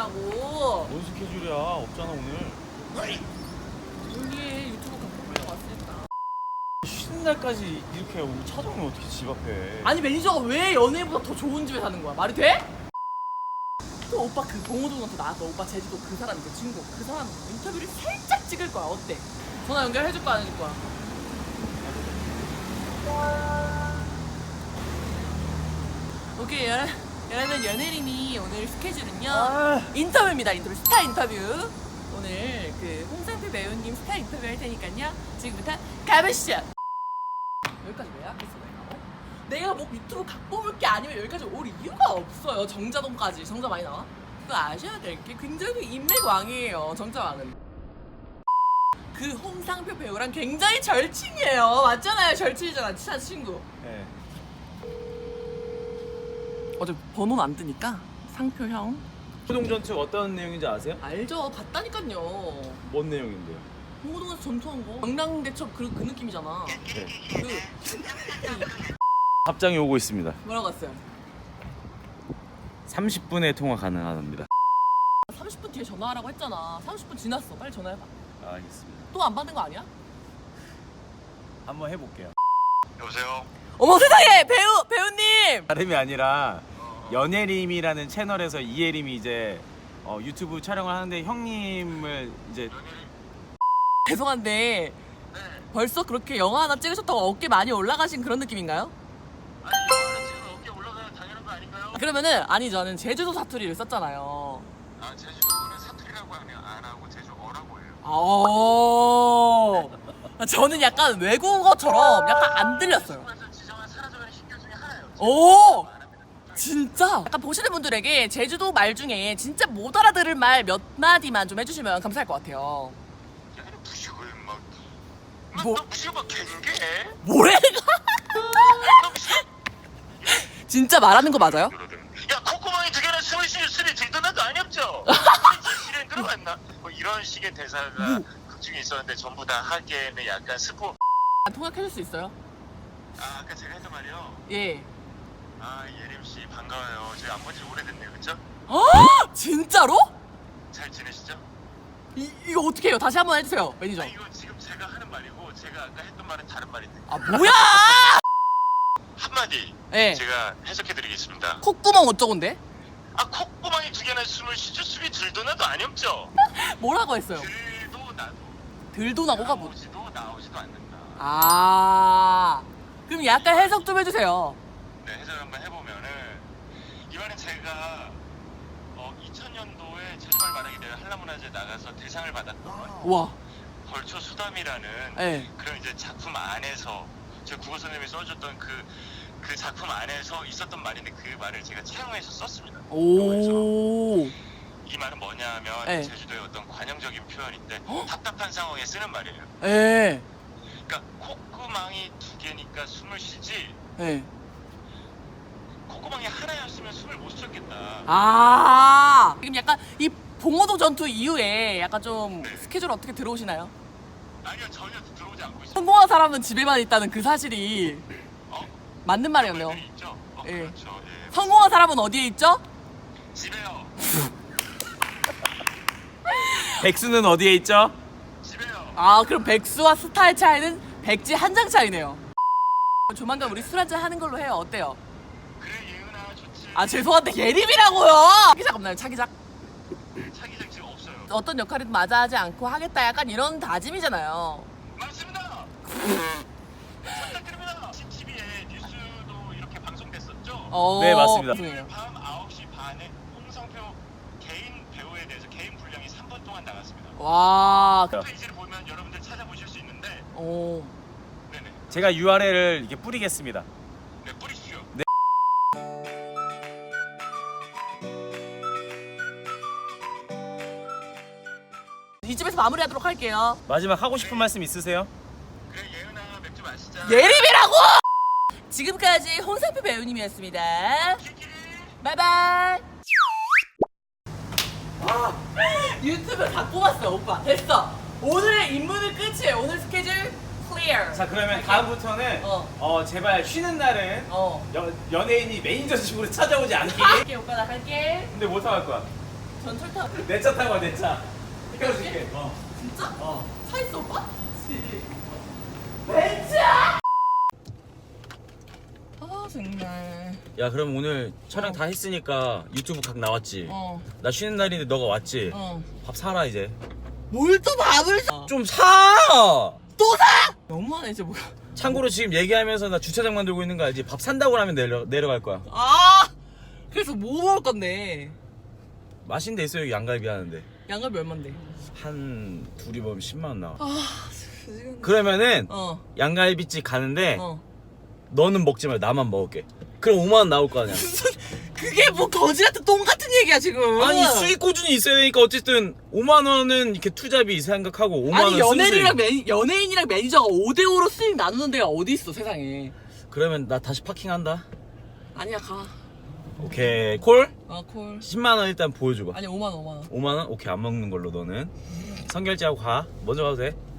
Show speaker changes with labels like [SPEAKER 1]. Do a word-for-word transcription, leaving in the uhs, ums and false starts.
[SPEAKER 1] 스케줄이라고.
[SPEAKER 2] 뭔 스케줄이야? 없잖아 오늘.
[SPEAKER 1] 우리 유튜브 갖고 보려고 왔으니까.
[SPEAKER 2] 쉬는 날까지 이렇게 오고 찾아오면 어떻게 집 앞에?
[SPEAKER 1] 아니 매니저가 왜 연예인보다 더 좋은 집에 사는 거야? 말이 돼? 또 오빠 그 봉호동한테 나왔던 오빠 제주도 그 사람 그 친구 그 사람 인터뷰를 살짝 찍을 거야. 어때? 전화 연결해줄 거야 안 해줄 거야? 오케이 여, 여러분 연예인이 오늘 스케줄은요
[SPEAKER 2] 아.
[SPEAKER 1] 인터뷰입니다. 인터뷰 스타 인터뷰. 오늘 그 홍상표 배우님 스타 인터뷰 할 테니까요 지금부터 가보시죠. 여기까지 왜 하겠어 내가? 어? 내가 뭐 유튜브 갖고 올 게 아니면 여기까지 올 이유가 없어요. 정자동까지. 정자 많이 나와? 그거 아셔야 될 게 굉장히 인맥왕이에요. 정자왕은. 그 홍상표 배우랑 굉장히 절친이에요. 맞잖아요. 절친이잖아. 친한 친구.
[SPEAKER 2] 네.
[SPEAKER 1] 어제 번호는 안 뜨니까 상표 형.
[SPEAKER 2] 호동전 측 어떤 내용인지 아세요?
[SPEAKER 1] 알죠. 봤다니까요.
[SPEAKER 2] 뭔 내용인데요?
[SPEAKER 1] 홍호동에서 전투한 거. 강남대첩 그, 그 느낌이잖아.
[SPEAKER 2] 네.
[SPEAKER 1] 그
[SPEAKER 2] 답장이 오고 있습니다.
[SPEAKER 1] 뭐라고 했어요?
[SPEAKER 2] 삼십 분의 통화 가능합니다.
[SPEAKER 1] 삼십 분 뒤에 전화하라고 했잖아. 삼십 분 지났어. 빨리 전화해봐.
[SPEAKER 2] 알겠습니다.
[SPEAKER 1] 또 안 받는 거 아니야?
[SPEAKER 2] 한번 해볼게요.
[SPEAKER 3] 여보세요?
[SPEAKER 1] 어머 세상에! 배우! 배우님!
[SPEAKER 2] 다름이 아니라 연예림이라는 채널에서 이예림이 이제 어, 유튜브 촬영을 하는데 형님을 이제
[SPEAKER 1] 죄송한데
[SPEAKER 3] 네.
[SPEAKER 1] 벌써 그렇게 영화 하나 찍으셨다고 어깨 많이 올라가신 그런 느낌인가요?
[SPEAKER 3] 아니 이거는 지금 어깨 올라가야 당연한 거 아닌가요?
[SPEAKER 1] 그러면은 아니 저는 제주도 사투리를 썼잖아요.
[SPEAKER 3] 아 제주도는 사투리라고 하면 안 하고 제주어라고 해요.
[SPEAKER 1] 아, 저는 약간 외국어처럼 약간 안 들렸어요.
[SPEAKER 3] 한국에서 지정한 사라져가는 신규 중에 하나예요.
[SPEAKER 1] 오! 진짜? 약간 보시는 분들에게 제주도 말 중에 진짜 못 알아들을 말 몇 마디만 좀 해주시면 감사할 것 같아요.
[SPEAKER 3] 야, 너 무식을 막.
[SPEAKER 1] 뭐?
[SPEAKER 3] 너 무식을 막 갱게?
[SPEAKER 1] 뭐래? 진짜 말하는 거 맞아요?
[SPEAKER 3] 야 콧구멍이 두 개나 숨을 쉬는 술이 들던 날도 아니었죠? 실행 들어갔나? 뭐 이런 식의 대사가 극 중에 있었는데 전부 다 하기에는 약간 스포.
[SPEAKER 1] 통역해줄 수 있어요?
[SPEAKER 3] 아 아까 제가 했던 말이요.
[SPEAKER 1] 예.
[SPEAKER 3] 아 예림 씨 반가워요. 제가 안 본 지 오래됐네요, 그렇죠?
[SPEAKER 1] 어? 진짜로?
[SPEAKER 3] 잘 지내시죠?
[SPEAKER 1] 이, 이거 어떻게 해요? 다시 한번 해주세요, 매니저.
[SPEAKER 3] 아 이거 지금 제가 하는 말이고 제가 아까 했던 말은 다른 말인데
[SPEAKER 1] 아 뭐야?
[SPEAKER 3] 한마디
[SPEAKER 1] 예.
[SPEAKER 3] 제가 해석해드리겠습니다.
[SPEAKER 1] 콧구멍 어쩌건데?
[SPEAKER 3] 아 콧구멍이 두 개나 숨을 쉬죠? 숨이 들도 나도 아니었죠?
[SPEAKER 1] 뭐라고 했어요?
[SPEAKER 3] 들도 나도
[SPEAKER 1] 들도 나고가 뭐?
[SPEAKER 3] 나오지도 나오지도 않는다.
[SPEAKER 1] 아 그럼 약간 해석 좀 해주세요.
[SPEAKER 3] 네 해석을 한번 해보면은 이번엔 제가 어, 이천 년도에 제주말 말하기 대회 한라문화제 나가서 대상을 받았던
[SPEAKER 1] 와.
[SPEAKER 3] 벌초 수담이라는
[SPEAKER 1] 예.
[SPEAKER 3] 그런 이제 작품 안에서 제 국어 선생님이 써줬던 그, 그 작품 안에서 있었던 말인데 그 말을 제가 차용해서 썼습니다. 영어에서.
[SPEAKER 1] 오.
[SPEAKER 3] 이 말은 뭐냐면
[SPEAKER 1] 네.
[SPEAKER 3] 제주도의 어떤 관용적인 표현인데
[SPEAKER 1] 헉?
[SPEAKER 3] 답답한 상황에 쓰는 말이에요.
[SPEAKER 1] 예.
[SPEAKER 3] 그러니까 콧구멍이 두 개니까 숨을 쉬지
[SPEAKER 1] 예.
[SPEAKER 3] 콧구멍이 하나였으면 숨을 못 쉬었겠다.
[SPEAKER 1] 아. 지금 약간 이 봉호동 전투 이후에 약간 좀
[SPEAKER 3] 네.
[SPEAKER 1] 스케줄 어떻게 들어오시나요?
[SPEAKER 3] 아니요 전혀 들어오지 않고 있어요.
[SPEAKER 1] 성공한 사람은 집에만 있다는 그 사실이
[SPEAKER 3] 어?
[SPEAKER 1] 맞는 말이었네요.
[SPEAKER 3] 말들이 있죠? 어,
[SPEAKER 1] 예.
[SPEAKER 3] 그렇죠. 예.
[SPEAKER 1] 성공한 사람은 어디에 있죠?
[SPEAKER 3] 집에요.
[SPEAKER 2] 백수는 어디에 있죠?
[SPEAKER 3] 집에요.
[SPEAKER 1] 아 그럼 백수와 스타의 차이는 백지 한 장 차이네요. 조만간 우리 술 한잔 하는 걸로 해요. 어때요?
[SPEAKER 3] 그래 예은아 좋지.
[SPEAKER 1] 아 죄송한데 예림이라고요. 차기작 없나요? 차기작?
[SPEAKER 3] 차기작 지금 없어요.
[SPEAKER 1] 어떤 역할이든 마다하지 않고 하겠다 약간 이런 다짐이잖아요.
[SPEAKER 3] 맞습니다. 부탁드립니다. 씨티비에 뉴스도 이렇게 방송됐었죠?
[SPEAKER 1] 어,
[SPEAKER 2] 네, 맞습니다.
[SPEAKER 1] 죄송해요.
[SPEAKER 3] 밤 아홉 시 반에 홍성표 개인 배우에 대해서 개인 분량이 삼 분 동안 나갔습니다.
[SPEAKER 1] 와.
[SPEAKER 3] 페이지를 보면 여러분들 찾아보실 수 있는데
[SPEAKER 1] 오.
[SPEAKER 3] 네네.
[SPEAKER 2] 제가 유알엘을 이렇게 뿌리겠습니다.
[SPEAKER 3] 네, 뿌리시죠.
[SPEAKER 2] 네.
[SPEAKER 1] 이 집에서 마무리하도록 할게요.
[SPEAKER 2] 마지막 하고 싶은 말씀 있으세요?
[SPEAKER 3] 그래 예은아 맥주 마시자.
[SPEAKER 1] 예림이라고! 지금까지 홍상표 배우님이었습니다.
[SPEAKER 3] 키키리.
[SPEAKER 1] 바이바이. 아, 유튜브 다 뽑았어 오빠. 됐어. 오늘의 임무는 끝이에요. 오늘 스케줄 클리어.
[SPEAKER 2] 자 그러면 다음부터는
[SPEAKER 1] 어.
[SPEAKER 2] 어, 제발 쉬는 날은
[SPEAKER 1] 어.
[SPEAKER 2] 여, 연예인이 매니저식으로 찾아오지 않게.
[SPEAKER 1] 갈게 오빠 나 갈게.
[SPEAKER 2] 근데 못 나갈 거야.
[SPEAKER 1] 전철 타.
[SPEAKER 2] 내 차 타고 내 차. 태워줄게. 어.
[SPEAKER 1] 진짜?
[SPEAKER 2] 어.
[SPEAKER 1] 차 있어 오빠? 내 차! 아 정말.
[SPEAKER 2] 야 그럼 오늘 촬영 다 했으니까 유튜브 각 나왔지.
[SPEAKER 1] 어.
[SPEAKER 2] 나 쉬는 날인데 너가 왔지.
[SPEAKER 1] 어.
[SPEAKER 2] 밥 사라 이제.
[SPEAKER 1] 뭘 또 밥을 사?
[SPEAKER 2] 좀 사.
[SPEAKER 1] 또 사? 너무하네 이제 뭐야.
[SPEAKER 2] 참고로 지금 얘기하면서 나 주차장 만들고 있는 거 알지? 밥 산다고 하면 내려 내려갈 거야.
[SPEAKER 1] 아 그래서 뭐 먹을 건데?
[SPEAKER 2] 맛있는 데 있어 여기 양갈비 하는데.
[SPEAKER 1] 양갈비 얼만데?
[SPEAKER 2] 한 둘이 먹으면 십만 원 나와.
[SPEAKER 1] 아 지금.
[SPEAKER 2] 그러면은
[SPEAKER 1] 어.
[SPEAKER 2] 양갈비집 가는데
[SPEAKER 1] 어.
[SPEAKER 2] 너는 먹지 말고 나만 먹을게. 그럼 오만 원 나올 거 아니야.
[SPEAKER 1] 그게 뭐 거지 같은 똥 같은 얘기야 지금.
[SPEAKER 2] 아니 수익 꾸준히 있어야 되니까 어쨌든 오만 원은 이렇게 투자비 생각하고 오만 원
[SPEAKER 1] 아니
[SPEAKER 2] 순수익.
[SPEAKER 1] 연예인이랑 매니, 연예인이랑 매니저가 오 대 오로 수익 나누는 데가 어디 있어 세상에.
[SPEAKER 2] 그러면 나 다시 파킹한다.
[SPEAKER 1] 아니야 가.
[SPEAKER 2] 오케이 콜?
[SPEAKER 1] 아 콜.
[SPEAKER 2] 십만 원 일단 보여줘봐.
[SPEAKER 1] 아니 오만 원 오만 원.
[SPEAKER 2] 오만 원? 오케이 안 먹는 걸로 너는. 선결제하고 가. 먼저 가도 돼?